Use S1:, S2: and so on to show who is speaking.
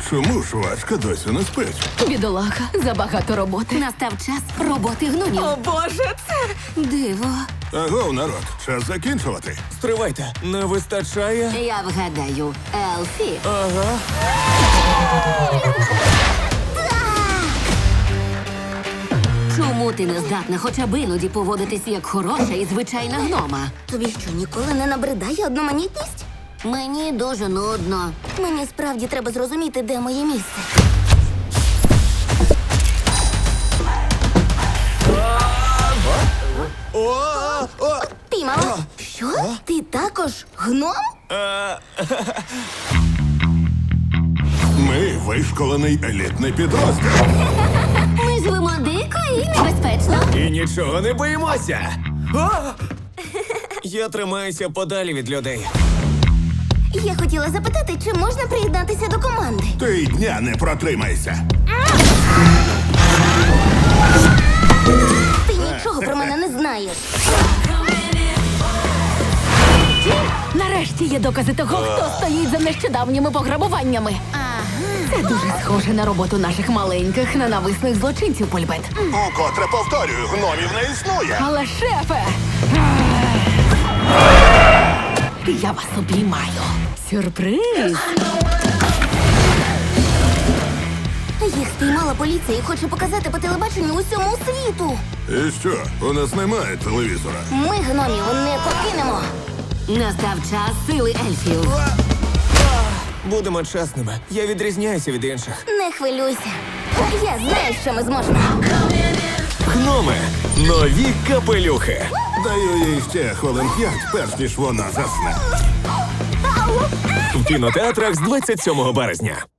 S1: Чому жвачка досі не спить?
S2: Бідолаха, забагато роботи.
S3: Настав час роботи гномів.
S2: О, Боже, це...
S3: Диво.
S1: Агов, народ, час закінчувати.
S4: Стривайте, не вистачає?
S3: Я вгадаю, Елфі.
S4: Ага.
S3: Чому ти не здатна хоча б іноді поводитись як хороша і звичайна гнома?
S5: Тобі що, ніколи не набридає одноманітність?
S3: Мені дуже нудно.
S5: Мені справді треба зрозуміти, де моє місце. Піймала. Що? Ти також гном?
S1: Ми вишколений елітний підрозділ.
S3: Ми живемо дико і небезпечно.
S4: І нічого не боїмося. А! Я тримаюся подалі від людей.
S5: Я хотіла запитати, чи можна приєднатися до команди.
S1: Ти й дня не протримайся.
S5: Ти нічого про мене не знаєш.
S2: Нарешті є докази того, хто стоїть за нещодавніми пограбуваннями. Це дуже схоже на роботу наших маленьких ненависних злочинців, Польбет.
S1: Укотре повторюю, гномів не існує.
S2: Але, шефе! Я вас обіймаю. Сюрприз!
S5: Їх спіймала поліція і хоче показати по телебаченню усьому світу.
S1: І що, у нас немає телевізора?
S5: Ми гномів не покинемо.
S3: Настав час сили ельфів.
S4: Будемо чесними. Я відрізняюся від інших.
S5: Не хвилюйся. Я знаю, що ми зможемо.
S4: Гноми. Нові капелюхи.
S1: Даю їй ще хвилин 5, перш ніж вона засне.
S4: В кінотеатрах з 27 березня.